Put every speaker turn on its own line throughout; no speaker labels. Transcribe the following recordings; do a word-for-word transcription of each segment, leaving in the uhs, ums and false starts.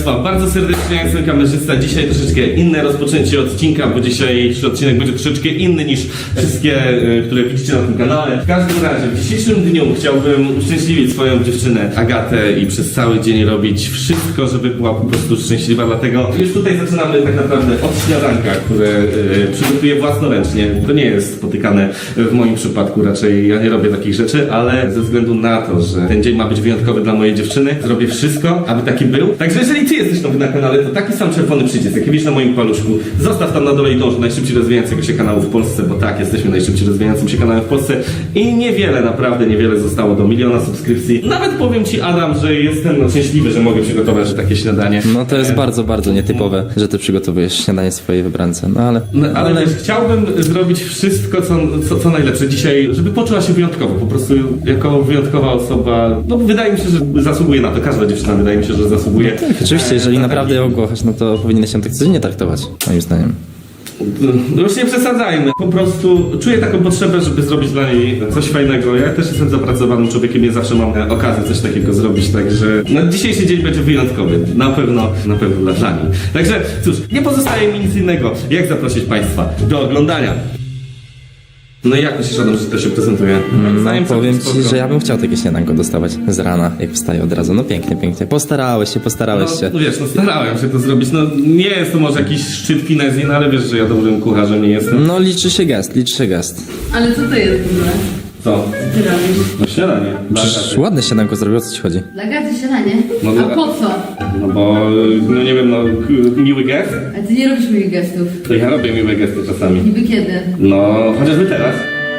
Państwa, bardzo serdecznie, ja jestem kamerzysta. Dzisiaj troszeczkę inne rozpoczęcie odcinka, bo dzisiejszy odcinek będzie troszeczkę inny niż wszystkie, które widzicie na tym kanale. W każdym razie, w dzisiejszym dniu chciałbym uszczęśliwić swoją dziewczynę Agatę i przez cały dzień robić wszystko, żeby była po prostu szczęśliwa. Dlatego już tutaj zaczynamy tak naprawdę od śniadanka, które yy, przygotuję własnoręcznie. To nie jest spotykane w moim przypadku, raczej ja nie robię takich rzeczy, ale ze względu na to, że ten dzień ma być wyjątkowy dla mojej dziewczyny, zrobię wszystko, aby taki był. Także jeżeli ty jesteś nowy na kanale, to taki sam czerwony przycisk, jaki widzisz na moim paluszku, zostaw tam na dole i dąż do najszybciej rozwijającego się kanału w Polsce, bo tak, jesteśmy najszybciej rozwijającym się kanałem w Polsce i niewiele, naprawdę niewiele zostało do miliona subskrypcji. Nawet powiem ci, Adam, że jestem no, szczęśliwy, że mogę przygotować takie śniadanie.
No to jest bardzo, bardzo nietypowe, że ty przygotowujesz śniadanie swojej wybrance, no ale...
No, ale, ale... Wiesz, chciałbym zrobić wszystko, co, co, co najlepsze dzisiaj, żeby poczuła się wyjątkowo, po prostu jako wyjątkowa osoba. No wydaje mi się, że zasługuje na to, każda dziewczyna wydaje mi się, że zasługuje.
Tak, oczywiście, jeżeli naprawdę ją kochasz, no to powinieneś się tak codziennie traktować, moim zdaniem.
No już nie przesadzajmy. Po prostu czuję taką potrzebę, żeby zrobić dla niej coś fajnego. Ja też jestem zapracowanym człowiekiem, nie zawsze mam okazję coś takiego zrobić, także no, dzisiejszy dzień będzie wyjątkowy. Na pewno, na pewno dla niej. Także cóż, nie pozostaje mi nic innego, jak zaprosić Państwa do oglądania. No i jak myślisz, Adam, że to się prezentuje?
No powiem ci, że ja bym chciał takie śniadanko dostawać z rana, jak wstaję od razu. No pięknie, pięknie. Postarałeś się, postarałeś
no,
się.
No wiesz, no starałem się to zrobić. No nie jest to może jakiś szczyt finezji, no ale wiesz, że ja dobrym kucharzem nie jestem.
No liczy się gest, liczy się gest.
Ale co to jest w ogóle?
Co?
Ty robisz?
No śniadanie.
Przecież ładne śniadanko zrobił, o co ci chodzi?
Dla Gaty śniadanie?
No,
A
dla-
po co?
No bo, no nie wiem, no k- miły gest?
A ty nie robisz moich gestów.
To ja robię miłe gesty czasami.
Niby kiedy?
No, chociażby teraz.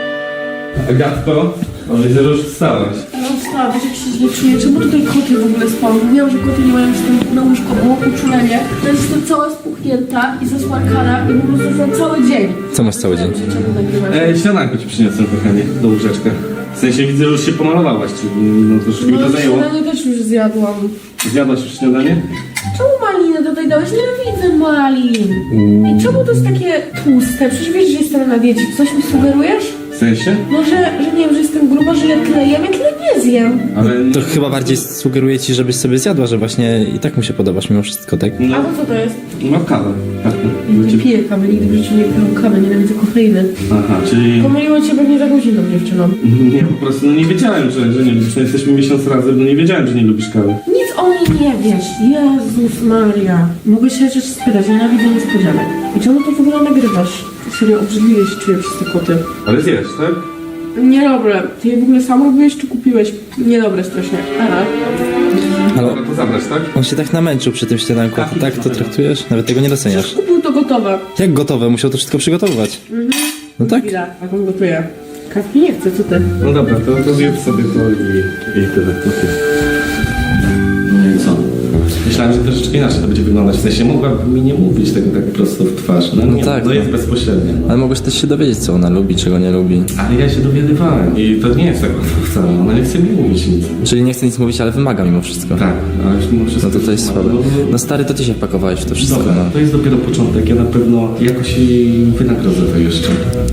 Agatko, może że już wstałeś.
No wstała, wiesz jak się źle czuję, czemu tutaj koty w ogóle spały? Mówiłam, że koty nie mają wstępu na łóżko, było uczulenie. Teraz jestem cała spuchnięta i zasmarkana i po prostu jestem cały dzień.
Co masz cały dzień?
Czemu nagrywasz?
Ej, śniadanko ci przyniosłem, kochanie, do łóżeczka. W sensie widzę, że już się pomalowałaś, czyli no troszkę mi to
No
zajęło.
śniadanie też już zjadłam.
Zjadłaś już śniadanie?
Czemu maliny tutaj dałeś? Nienawidzę malin. I czemu to jest takie tłuste? Przecież wiesz, że jestem na diecie. Coś mi sugerujesz?
W sensie?
No, że, że nie wiem, że jestem gruba, że ja tyle jem, ja tyle nie zjem.
Ale...
To chyba bardziej sugeruje ci, żebyś sobie zjadła, że właśnie i tak mu się podobasz mimo wszystko, tak?
No,
A to co to jest?
no kawę. Tak,
Nie piję kawy, nigdy w życiu nie piję kawy, nienawidzę kofeiny.
Aha, czyli...
Pomyliło cię pewnie z jakąś inną dziewczyną.
Nie, po prostu no nie wiedziałem, że, że nie lubisz. No jesteśmy miesiąc razem, no nie wiedziałem, że nie lubisz kawy.
Nic o mnie nie wiesz. Jezus Maria. Mogę się rzecz spytać, nienawidzę niespodzianek. I czemu to w ogóle nagrywasz? Serio, obrzydliwie się czuję przez te koty.
Ale zjesz, tak?
Niedobre. Ty je w ogóle sam robiłeś czy kupiłeś? Niedobre strasznie. Aha.
Ale
Dobra, to zabrać, tak?
on się tak namęczył przy tym śniadanku, a ty tak to traktujesz? Nawet tego nie doceniasz.
Kupił to gotowe.
Jak gotowe? Musiał to wszystko przygotowywać. No tak?
Chwila, jak on gotuje. Kawki nie chcę, co ty?
No dobra, to, to zjedz sobie to i, i tyle. Okay. No i co? Myślałem, że troszeczkę inaczej to będzie wyglądać. W sensie mogłaby mi nie mówić tego tak prosto w twarz. No,
No
nie,
tak,
to
no.
jest bezpośrednie.
Ale mogłeś też się dowiedzieć, co ona lubi, czego nie lubi.
Ale ja się dowiadywałem i to nie jest tak łatwo wcale. Ona nie chce mi mówić nic.
Czyli nie chce nic mówić, ale wymaga mimo wszystko.
Tak, ale już mimo wszystko...
No to to jest słabe.
No,
No stary, to ty się wpakowałeś w to wszystko,
Dobra,
no.
to jest dopiero początek. Ja na pewno jakoś jej wynagrodzę to jeszcze.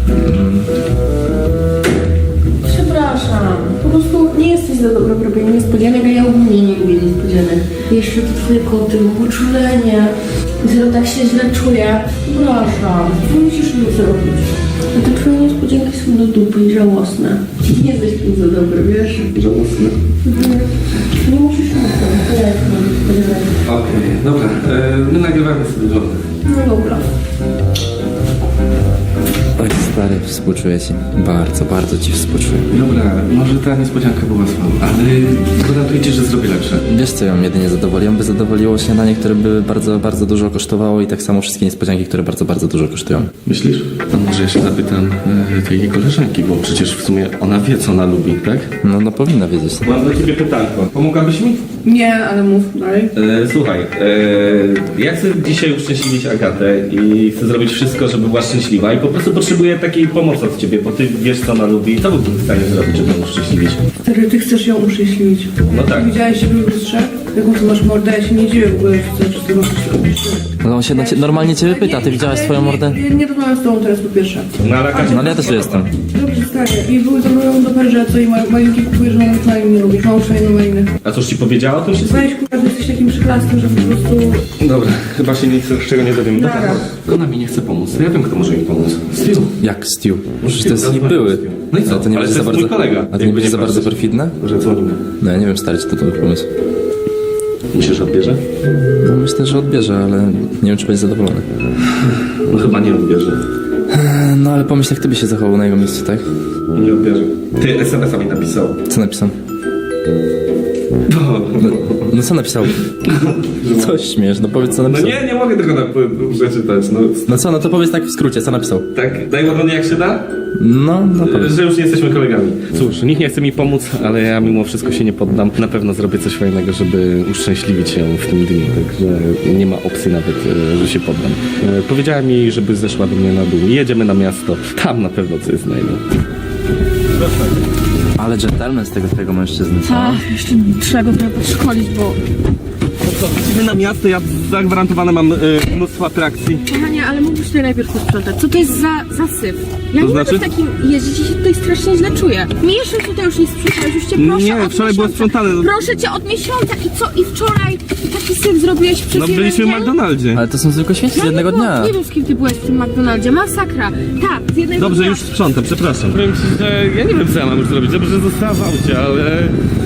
Przepraszam. Po prostu nie jesteś za dobra w robieniu niespodzianek, a ja ogólnie nie lubię niespodzianek. Jeszcze to twoje koty, mam uczulenie. Zero tak się źle czuję. Przepraszam. Nie musisz nic zrobić. A te twoje niespodzianki są do dupy i żałosne. Nie jesteś tym za dobry, wiesz?
Żałosne.
Mhm. Nie musisz nic zrobić. To ja jestem niespodzianek.
Okej, dobra. E, my nagrywamy sobie do...
No dobra.
Oj stary, współczuję ci. Bardzo, bardzo ci współczuję.
Dobra, może ta niespodzianka była słaba, ale gwarantuję ci, że zrobię lepsze.
Wiesz co ją jedynie zadowoli? Ją by zadowoliło śniadanie, które by bardzo, bardzo dużo kosztowało i tak samo wszystkie niespodzianki, które bardzo, bardzo dużo kosztują.
Myślisz? A może ja się zapytam e, tej jej koleżanki, bo przecież w sumie ona wie, co ona lubi, tak?
No, no powinna wiedzieć.
Mam do ciebie pytanko. Pomogłabyś mi?
Nie, ale mów dalej.
E, słuchaj, e, ja chcę dzisiaj uszczęśliwić Agatę i chcę zrobić wszystko, żeby była szczęśliwa i po prostu potrzebuję takiej pomocy od ciebie, bo ty wiesz, co ona lubi. Co byłbym w stanie zrobić, żeby ją uszczęśliwić?
Stary, ty chcesz ją uszczęśliwić.
No tak.
Widziałeś siebie w lustrze? Jaką ty masz mordę? Ja się nie dziwię w ogóle, że chcesz ty możesz się robić.
Ale on się na cie, normalnie ciebie pyta, ty widziałaś swoją mordę?
Ja nie rozmawiam z tobą teraz po pierwsze.
No ale Agacia...
No ale ja też tu jestem.
Dobrze, stary. I były ze mną do Paryża, co i ma- malinki kupujesz, że mam uczulenie nie lubisz. Mam uczulenie na maliny.
A cóż ci powiedziała o tym wszystkim?
Weź kurwa, ty jesteś takim przyklaskiem, że po prostu...
Dobra, chyba się nic z czego nie dowiem.
Dobra.
Ona mi nie chce pomóc. Ja wiem, kto może mi pomóc. Stu.
Jak Stu? Przecież to jest
Stu,
były.
No i co?
Ale to nie
Ale
będzie
to
za
jest
bardzo...
mój kolega.
A to nie
Jakby
będzie
nie
za bardzo
patrzeć.
perfidne?
Może dzwonimy.
No ja nie wiem, stary, czy to dobry pomysł.
Myślisz, że odbierze?
No myślę, że odbierze, ale nie wiem, czy będzie zadowolony.
No chyba nie odbierze.
No ale pomyśl, jak ty byś się zachował na jego miejscu, tak?
Nie odbierze. Ty es em es a mi napisał.
Co napisał? No, no co napisał? Coś śmiesz, no powiedz co
No
napisał.
nie, nie mogę tego na, przeczytać. No,
No co, no to powiedz tak w skrócie, co napisał?
tak, daj ładnie jak się da?
No, no powiedz.
Że już nie jesteśmy kolegami. Cóż, nikt nie chce mi pomóc, ale ja mimo wszystko się nie poddam. Na pewno zrobię coś fajnego, żeby uszczęśliwić ją w tym dniu, także nie ma opcji nawet, e, że się poddam. E, Powiedziałem jej, żeby zeszła do mnie na dół. Jedziemy na miasto. Tam na pewno coś znajdę.
Ale gentleman z tego twojego mężczyzny, co?
Tak, jeszcze trzeba go trochę podszkolić, bo...
Idziemy na miasto, ja zagwarantowane mam e, mnóstwo atrakcji.
Kochanie, ale mógłbyś tutaj najpierw posprzątać. Co to jest za zasyp? Ja
To
nie
znaczy?
mogę w takim jeździć i się tutaj strasznie źle czuję. Mi jeszcze tutaj już nie sprzątałeś, już cię proszę
Nie,
od
wczoraj było
miesiąca.
sprzątane.
Proszę cię od miesiąca i co? I wczoraj taki syp zrobiłeś przez
No
jeden
byliśmy w
dzień?
McDonaldzie.
Ale to są zwykłe śmieci z
Ja
jednego
nie byłam-
dnia.
Nie wiem, z kim ty byłeś w tym McDonaldzie. Masakra. Tak, z jednego
Dobrze,
dnia.
już sprzątam, przepraszam. Powiem ci, że ja nie wiem, co ja mam już zrobić. Dobrze, że została w aucie, ale...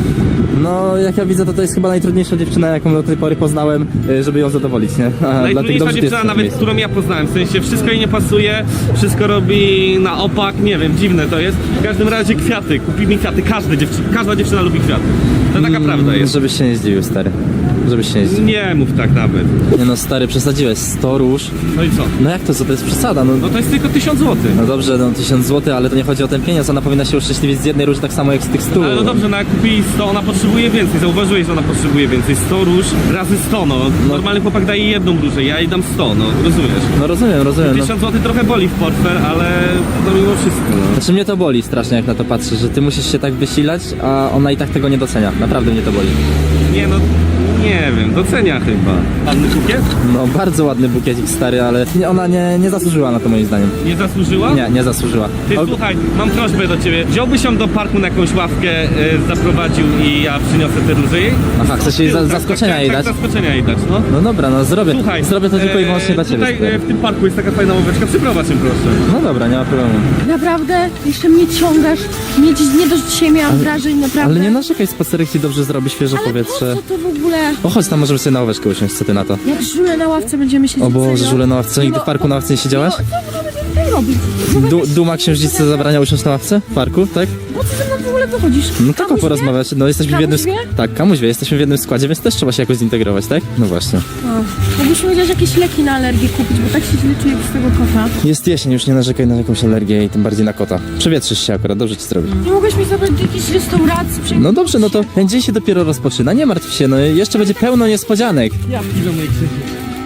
No, jak ja widzę, to to jest chyba najtrudniejsza dziewczyna, jaką do tej pory poznałem, y, żeby ją zadowolić, nie? A, dlatego
Najtrudniejsza
dobrze, że ty
dziewczyna
jesteś na
nawet,
miejscu.
którą ja poznałem. W sensie wszystko jej nie pasuje, wszystko robi na opak, nie wiem, dziwne to jest. W każdym razie kwiaty, kupi mi kwiaty, każda dziewczyna, każda dziewczyna lubi kwiaty. To taka prawda jest.
Żebyś się nie zdziwił, stary. Żebyś się nie zdziwił.
Nie mów tak nawet.
Nie no, stary, przesadziłeś. sto róż.
No i co?
No jak to, co to jest przesada? No,
No to jest tylko tysiąc złotych.
no dobrze, no tysiąc złotych, ale to nie chodzi o ten pieniądz. Ona powinna się uszczęśliwić z jednej róży tak samo jak z tych stu.
Ale no dobrze, no jak kupi sto, ona potrzebuje więcej. Zauważyłeś, że ona potrzebuje więcej. sto róż razy sto, no. Normalny chłopak daje jedną różę, ja jej dam sto, no. Rozumiesz?
No rozumiem, rozumiem. No.
tysiąc złotych trochę boli w portfel, ale no mimo wszystko, no.
Znaczy mnie to boli strasznie, jak na to patrzę, że ty musisz się tak wysilać, a ona i tak tego nie docenia. Naprawdę mnie to boli.
Nie no, nie wiem, docenia chyba. Ładny bukiet?
No bardzo ładny bukiecik, stary, ale nie, ona nie, nie zasłużyła na to moim zdaniem.
Nie zasłużyła?
Nie, nie zasłużyła.
Ty
O,
słuchaj, mam prośbę do ciebie. Wziąłbyś ją do parku na jakąś ławkę, y, zaprowadził i ja przyniosę te róże jej?
Aha, chcesz jej za,
Tak,
zaskoczenia
tak,
jej
tak,
dać?
zaskoczenia jej dać, no.
No dobra, no zrobię.
Słuchaj,
zrobię to tylko i
e,
wyłącznie dla ciebie.
Tutaj
stary.
e, w tym parku jest taka fajna ławeczka, przyprowadź ją proszę.
No dobra, nie ma problemu.
Naprawdę? Jeszcze mnie ciągasz? Mnie dziś nie dość dzisiaj miałam wrażeń, naprawdę.
Ale nie narzekaj, spacerek ci dobrze zrobi, świeże
Ale
powietrze.
po co to w ogóle?
O chodź, tam możemy sobie na ławeczkę usiąść, co ty na to?
Jak żule na ławce będziemy siedzieć.
O Boże,
serio?
żule na ławce. Co, nigdy w
No,
parku na ławce nie siedziałaś?
No, co my będziemy tutaj robić?
Du Duma księżniczce zabrania usiąść na ławce? W parku, tak?
Po co ze mną w ogóle wychodzisz?
No tylko
Kamuś wie?
porozmawiać. No jesteśmy w jednym...
Kamuś wie?
Tak, kamuś wie, jesteśmy w jednym składzie, więc też trzeba się jakoś zintegrować, tak? No właśnie.
O, Mógłbyśmy chociaż jakieś leki na alergię kupić, bo tak się źle czuję z tego kota.
Jest jesień, już nie narzekaj na jakąś alergię i tym bardziej na kota. Przewietrzysz się akurat, dobrze ci zrobi.
Nie mogłeś mi zabrać do jakiejś restauracji? Przejść-
No dobrze, no to ten dzień się dopiero rozpoczyna, nie martw się, no jeszcze będzie pełno niespodzianek.
Ja piszę moje krzyki.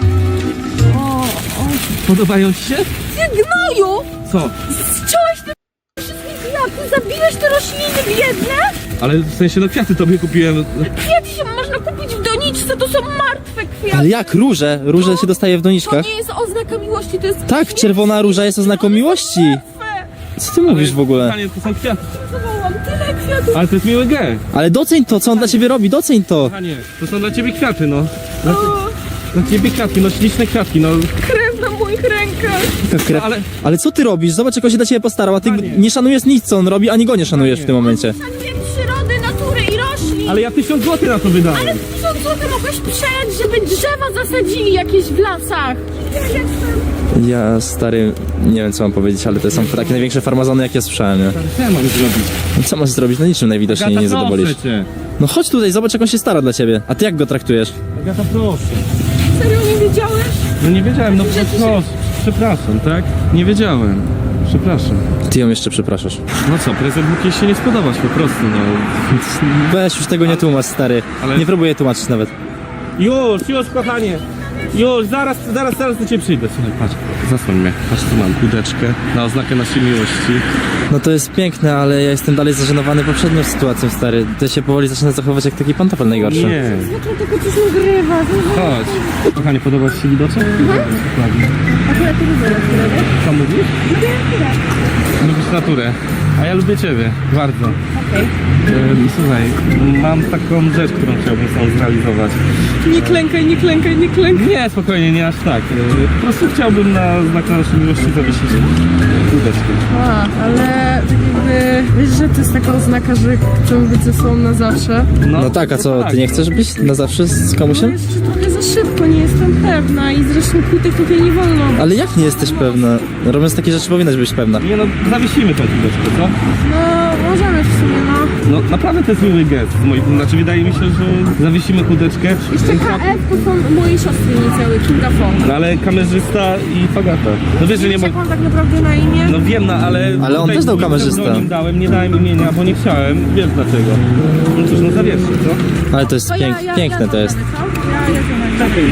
O, o.
Podobają ci się?
Ty gnoju!
Co?
Zciąłeś te wszystkie kwiaty, zabiłeś te rośliny biedne?
Ale w sensie, no kwiaty tobie kupiłem.
Kwiaty się można kupić w doniczce, to są martwe kwiaty.
Ale jak róże? Róże się dostaje w
To
doniczkach?
nie jest oznaka miłości, to jest...
Tak, czerwona róża jest oznaką miłości. Co ty mówisz w ogóle?
Panie, to są kwiaty.
Zawołam tyle kwiatów.
Ale to jest miły gest.
Ale doceń to, co on dla ciebie robi, doceń to.
Panie, to są dla ciebie kwiaty, no. Dla, dla ciebie kwiatki, no śliczne kwiatki, no.
Krew na moich rękach.
Krew.
ale-
Ale co ty robisz? Zobacz, jak on się dla ciebie postarał, a ty
Panie.
nie szanujesz nic, co on robi, ani go nie szanujesz w tym momencie.
Szanuję przyrody, natury i roślin.
Ale ja tysiąc złotych na to wydałem.
Ale tysiąc złotych mogłeś przejąć, żeby drzewa zasadzili jakieś w lasach. Ja jestem...
Ja, stary, nie wiem co mam powiedzieć, ale to są takie największe farmazony, jakie słyszałem, nie?
Co ja mam zrobić?
No co masz zrobić? No niczym najwidoczniej
Agata,
nie zadowolisz.
proszę cię.
No chodź tutaj, zobacz, jak on się stara dla ciebie. A ty jak go traktujesz?
Agata, proszę.
Serio nie wiedziałeś?
No nie wiedziałem, no
Że ty się-
proszę. Przepraszam, tak? Nie wiedziałem. Przepraszam.
Ty ją jeszcze przepraszasz.
No co, prezent mógł jej się nie spodobać po prostu, no.
Weź, już tego nie tłumacz, stary.
Ale-
Nie próbuję tłumaczyć nawet.
Już, już kochanie. Już, zaraz, zaraz, zaraz do ciebie przyjdę. Słuchaj, patrz, zasłoń mnie. Patrz, tu mam kudeczkę na oznakę naszej miłości.
No to jest piękne, ale ja jestem dalej zażenowany poprzednią sytuacją, stary. To się powoli zaczyna zachować jak taki pantofel najgorszy.
Nie,
Zaczął tylko coś nagrywa.
chodź. Kochanie, podoba ci się widoczek? Dokładnie.
Akurat to widzę,
Co mówisz? Lubisz naturę. A ja lubię ciebie, bardzo.
Okej.
Ehm, Słuchaj, mam taką rzecz, którą chciałbym sam zrealizować.
Nie klękaj, nie klękaj, nie klękaj.
Nie, spokojnie, nie aż tak. Ehm, Po prostu chciałbym na znak naszej miłości zawiesić kółeczkę.
A, ale tak jakby, wiesz, że to jest taka oznaka, że chcemy być ze sobą na zawsze.
No tak, a co, ty nie chcesz być na zawsze z
No
komusiem?
jeszcze trochę za szybko, nie jestem pewna i zresztą kłótek tutaj nie wolno.
Ale jak nie jesteś pewna? Robiąc takie rzeczy powinnaś być pewna.
Nie no, zawiesimy tą kółeczkę, co?
No, możemy w sumie, no.
No naprawdę to jest miły gest. z mojej- Znaczy wydaje mi się, że zawiesimy kółeczkę.
Jeszcze K F to są moje siostry inicjały, Kinga Fong.
No ale kamerzysta i Fagata. No wiesz, że nie
Wiesz, jak
mogę...
mam tak naprawdę na imię?
No wiem, no ale...
Ale on
tutaj
też dał
nic
kamerzysta.
pseudonim dałem, nie dałem imienia, bo nie chciałem. Wiesz dlaczego. No cóż, no zawieszę, co?
Ale to jest
To
pięk,
ja, ja,
piękne
ja
to jest.
co? Ja, ja to
Czekaj, no.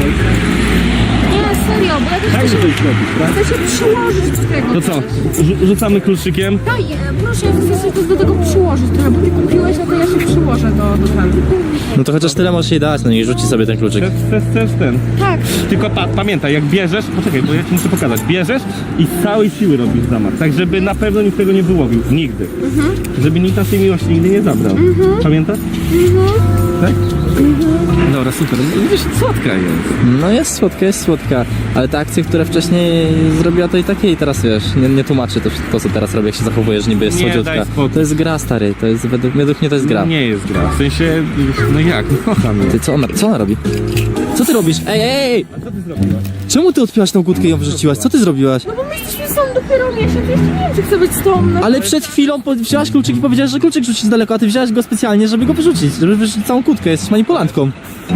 Nie, serio, bo ja też
Daj mi
chcę
coś
się,
zrobić, tak?
chcę się przyłożyć do tego.
To co? Rzu- Rzucamy kluczykiem.
Daj, e, proszę, ja chcę się też do tego przyłożyć trochę, bo ty kupiłeś, a to ja się przyłożę do, do tego.
No to chociaż tyle możesz jej dać, no i rzuci sobie ten kluczyk.
Chcesz, chcesz, chcesz ten.
Tak.
Tylko pa pamiętaj, jak bierzesz, poczekaj, bo ja ci muszę pokazać. Bierzesz i z całej siły robisz zamach, tak żeby na pewno nikt tego nie wyłowił. Nigdy. Żeby nikt naszej miłości nigdy nie zabrał. Pamiętasz? Tak? Dobra, super. Widzisz, słodka jest.
No jest słodka, jest słodka, ale te akcje, które wcześniej zrobiła, to i takie i teraz wiesz, nie, nie tłumaczy to, to co teraz robi, jak się zachowujesz, niby jest
Nie,
słodziutka.
daj spokój.
To jest gra, stary, to jest, według, według mnie to jest gra.
Nie jest gra. W sensie, no jak, no kocham ją.
Ty, co ona, co ona robi? Co ty robisz? Ej, ej, ej!
A co ty zrobiłaś?
Czemu ty odpiłaś tą kłódkę i ją wrzuciłaś? Co ty zrobiłaś?
No bo my jesteśmy są dopiero miesiąc, jeszcze nie wiem, czy chcę być z tobą. No.
Ale przed chwilą po- wzięłaś kluczyk i powiedziałaś, że kluczyk rzucić z daleko, a ty wzięłaś go specjalnie, żeby go wyrzucić, żeby wyrzucić całą kłódkę, jesteś manipulantką.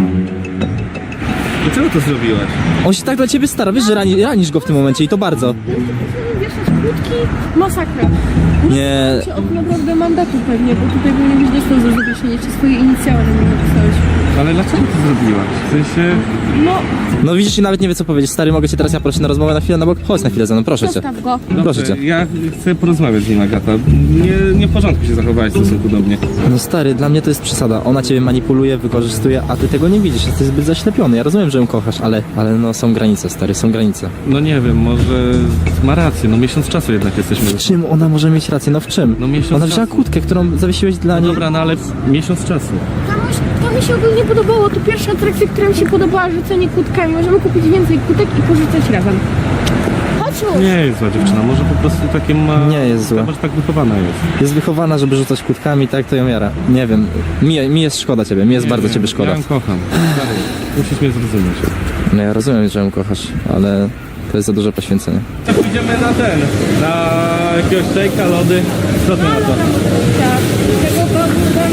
Dlaczego to zrobiłaś?
On się tak dla ciebie stara, wiesz, że rani, ranisz go w tym momencie i to bardzo.
Wieszać kłódki, masakra.
Nie,
Cię od naprawdę mandatu pewnie, bo tutaj powinien być dostęp za zawieszenie, czy swoje inicjały na mnie napisałeś.
Ale dlaczego to zrobiłaś? W sensie...
No,
no widzisz i nawet nie wie co powiedzieć, stary, mogę cię teraz ja prosić na rozmowę na chwilę na bok? Chodź na chwilę ze mną, proszę cię.
zostaw go.
Proszę cię.
Ja chcę porozmawiać z nim, Agata. Nie, nie w porządku się zachowałaś w stosunku do mnie.
No stary, dla mnie to jest przesada. Ona ciebie manipuluje, wykorzystuje, a ty tego nie widzisz. Jesteś zbyt zaślepiony. Ja rozumiem, że ją kochasz, ale, ale no są granice, stary, są granice.
No nie wiem, może ma rację, no miesiąc czasu jednak jesteśmy.
W czym ona może mieć rację? No w czym?
No miesiąc
Ona wzięła
czasu.
kłódkę, którą zawiesiłeś dla niej.
Dobra, no ale miesiąc czasu.
To mi, się- to mi się ogólnie podobało. To pierwsza atrakcja, która mi się podobała, rzucenie kłódkami. Możemy kupić więcej kłódek i porzucać razem. Chodź już.
Nie jest zła dziewczyna, może po prostu takie ma...
Nie jest zła.
Zobacz, tak wychowana jest.
Jest wychowana, żeby rzucać kłódkami, tak to ją jara. Nie wiem, mi, mi jest szkoda ciebie, mi jest
Nie
bardzo
wiem,
ciebie szkoda.
Ja ją kocham. Stary, musisz mnie zrozumieć.
No ja rozumiem, że ją kochasz, ale to jest za duże poświęcenie.
Tak, idziemy na ten, na jakiegoś szejka, lody. Co ty na to?
Tak. Tego bałtyka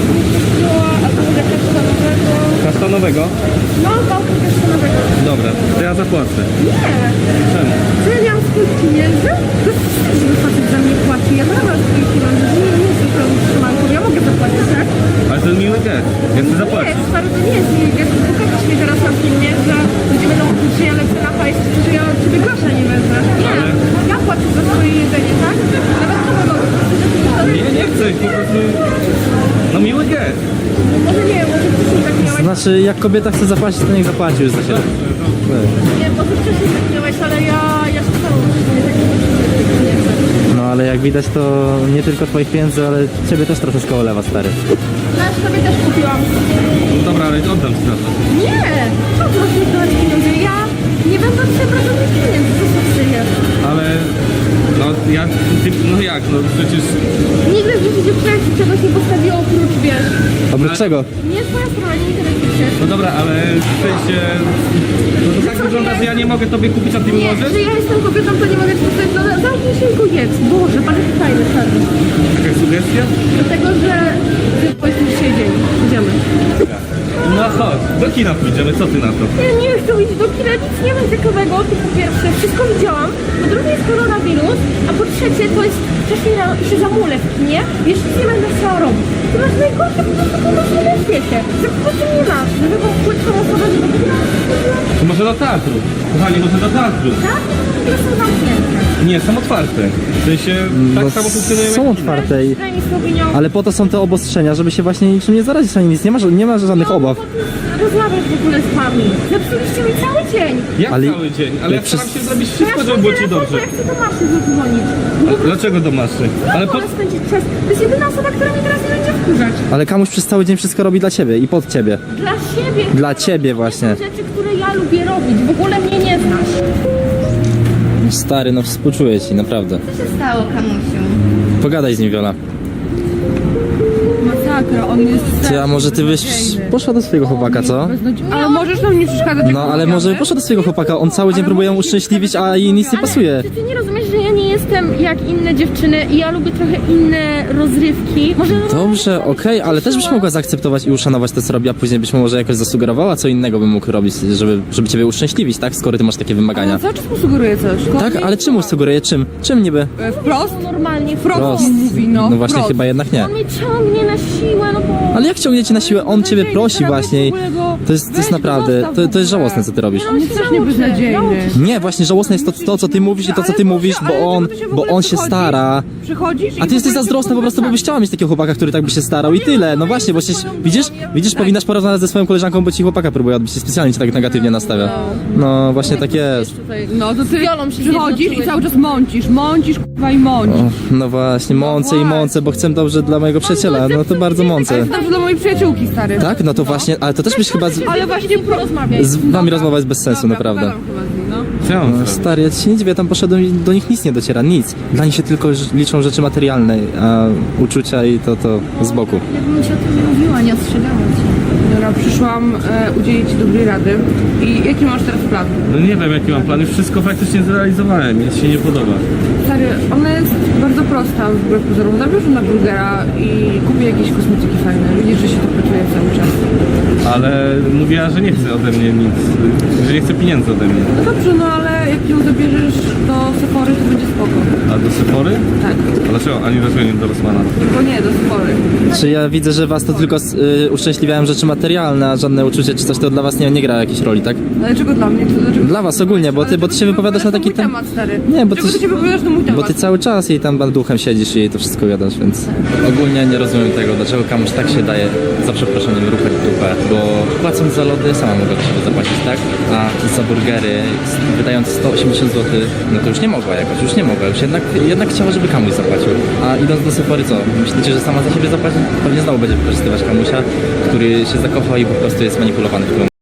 a to może kasztanowego.
Kasztanowego?
No, bałtyk kasztanowego.
Dobra, to ja zapłacę.
Nie.
Czemu?
Czy ja miałam swój pieniędzy? To jest że facet za mnie płaci. Ja nadal mam swoje pieniądze. Nie, nie jestem pełną trzymanką. Ja mogę zapłacić, tak?
Ale to jest miły gest. Ja chcę
Nie,
zapłacić.
stary, to nie jest miły gest. Pokażesz mi teraz na filmie, że ludzie będą mówić, że ja lecę na hajs, że ja od ciebie grosza nie wezmę. Nie,
Ale-
ja płacę za swoje jedzenie, tak? Nawet to mogę.
Nie, nie chcę, po prostu... No miły gest.
Może nie, może wcześniej tak miałeś.
Znaczy, jak kobieta chce zapłacić, to niech zapłaci już za siebie.
Nie, może wcześniej tak miałeś, ale ja, ja się stało, że nie tak nie chcę.
No ale jak widać, to nie tylko twoich pieniędzy, ale ciebie też troszeczkę olewa, stary.
Ja sobie też kupiłam.
No dobra, ale oddam ci za to.
Nie! Co ty masz mi dawać pieniądze? Ja nie będę od ciebie brać żadnych pieniędzy, co to przyjesz?
Ale... No ja... Ty, no jak, no przecież...
Nigdy w życiu dziewczyna ci czegoś nie postawiło oprócz, wiesz.
Oprócz czego?
Nie twoja strona, nie interesuje się.
No dobra, ale w sensie... No to tak wygląda, że ja nie mogę tobie kupić, a ty mi
Nie,
możesz?
że ja jestem kobietą, to nie mogę ci postawić. No zamknij się i go jedz. Boże, pan jest fajny, czarny.
Jakaś sugestia?
Dlatego, że ty powiedzmy dzisiaj dzień. Idziemy.
No chodź, do kina pójdziemy, co ty na to?
Ja nie chcę iść do kina, nic nie ma ciekawego. To po pierwsze, wszystko widziałam. Po drugie jest koronawirus, a po trzecie to jest wcześniej rano i się zamulę w kinie. Wiesz, nic nie będę chciała robić. To masz najgorsze po prostu pomysły na świecie. Że po prostu nie masz. Żeby go płytką osobę, żeby do kina.
To może do teatru. Kochani, może do teatru.
Tak? drzwi są zamknięte.
Nie, są otwarte. W sensie tak
No,
samo funkcjonują jak
są
inne.
otwarte, i,
Daj mi spokojnie.
ale po to są te obostrzenia, żeby się właśnie niczym nie zarazić, ani nic, nie ma, nie ma żadnych obaw.
Rozmawiać w ogóle z wami. Zepsuliście mi cały dzień.
Jak
Ale-
cały dzień? Ale
ale
ja staram
przez-
się zrobić
Ja
wszystko, żeby było ci dobrze.
Ja chcę do maszy zadzwonić.
A dlaczego do maszy? Ale po...
Wolę spędzić czas. To jest jedyna osoba, która mnie teraz nie będzie wkurzać.
Ale Kamuś przez cały dzień wszystko robi dla ciebie i pod ciebie.
Dla siebie.
Dla ciebie właśnie.
To są rzeczy, które ja lubię robić. W ogóle mnie nie znasz.
Stary, no współczuję ci, naprawdę.
Co się stało, Kamusiu?
Pogadaj z nim, Wiola.
Masakra, on jest...
Ty, a może ty byś poszła do swojego chłopaka, co?
Ale możesz nam nie przeszkadzać.
No, ale może poszła do swojego chłopaka, on cały dzień próbuje ją uszczęśliwić, a jej nic nie pasuje.
Czy ty nie rozumiesz, że ja nie jestem jak inne dziewczyny i ja lubię trochę inne rozrywki? Może
Dobrze, okej, ale też byś mogła zaakceptować i uszanować to, co robi, a później byś może jakoś zasugerowała, co innego bym mógł robić, żeby, żeby ciebie uszczęśliwić, tak? Skoro ty masz takie wymagania.
Cały czas mu sugeruje coś.
Tak, ale czemu sugeruję? Czym? Czym niby?
E, Wprost?
normalnie
Wprost
Prost.
mu mówi, no.
No właśnie,
wprost.
chyba jednak nie.
On mnie ciągnie na siłę, no bo...
Ale jak ciągnie cię na siłę? On ciebie prosi właśnie. i To jest, to jest
Weź,
naprawdę,
zostaw
to,
w
to jest
ogóle.
żałosne, co ty robisz.
On jest strasznie beznadziejny.
Nie, właśnie żałosne jest to, to co ty mówisz i to, co ty
Ale
mówisz,
Boże, ale
bo on,
dlaczego ty się w
bo
ogóle
on się
przychodzisz?
stara.
Przychodzisz i
A ty jesteś
w ogóle
zazdrosna po prostu, bo byś chciała mieć takiego chłopaka, który tak by się starał i tyle. No właśnie, bo się, widzisz, widzisz, powinnaś porozmawiać ze swoją koleżanką, bo ci chłopaka próbuje odbić i specjalnie cię tak negatywnie nastawia. No właśnie tak jest.
Tutaj, no to ty
Wiolą się
przychodzisz i
zjednoczyłeś.
cały czas mącisz, mącisz, kurwa i mącisz.
O, no właśnie, mącę i mącę, bo chcę dobrze dla mojego przyjaciela, no to bardzo
Ale
mącę.
to dobrze dla mojej przyjaciółki, stary.
Tak? No to właśnie, ale to też byś chyba z,
Ale właśnie
porozmawiaj.
z wami rozmowa jest bez sensu,
Dobra,
naprawdę.
pogadam chyba z nim, no.
Co ja mam
No,
zrobić?
stary, ja ci się nie dziwię, tam poszedłem i do nich nic nie dociera, nic. Dla nich się tylko ż- liczą rzeczy materialne, a uczucia i to, to z boku.
Jakbym ci o tym nie mówiła, nie ostrzegała cię.
Dobra, przyszłam e, udzielić ci dobrej rady. I jaki masz teraz plan?
No nie wiem jaki mam plan, już wszystko faktycznie zrealizowałem, mi się nie podoba.
Stary, ona jest bardzo prosta wbrew pozorom. Zabierz ją na burgera i kupię jakieś kosmetyki fajne. Widzisz, że się to pracuje cały czas.
Ale mówiła, że nie chce ode mnie nic, że nie chce pieniędzy ode mnie.
No dobrze, no ale jak ją zabierzesz do Sephory, to będzie spoko.
A do Sephory?
Tak.
A dlaczego? Ani dlaczego nie do Rossmana?
Tylko nie, do Sephory.
Czy ja widzę, że was to tylko y, uszczęśliwiają rzeczy materialne, a żadne uczucie czy coś to dla was nie, nie gra jakiejś roli, tak?
Dlaczego dla mnie? To dlaczego...
Dla was ogólnie, bo ty, bo ty się wypowiadasz na taki
mój
temat.
temat, stary.
Nie, bo
Dlaczego
ty-
ty się wypowiadasz na mój temat?
Bo ty cały czas jej tam duchem siedzisz i jej to wszystko gadasz, więc... Ogólnie nie rozumiem tego, dlaczego komuś tak się daje, za przeproszeniem, ruchać dupę, bo płacąc za lody sama mogła do siebie zapłacić, tak? A za burgery, s- wydając sto osiemdziesiąt złotych, no to już nie mogła jakoś, już nie mogła, już jednak, jednak chciała, żeby Kamuś zapłacił. A idąc do Sephory, co? Myślicie, że sama za siebie zapłaci? Pewnie znowu będzie wykorzystywać Kamusia, który się zakochał i po prostu jest manipulowany w tym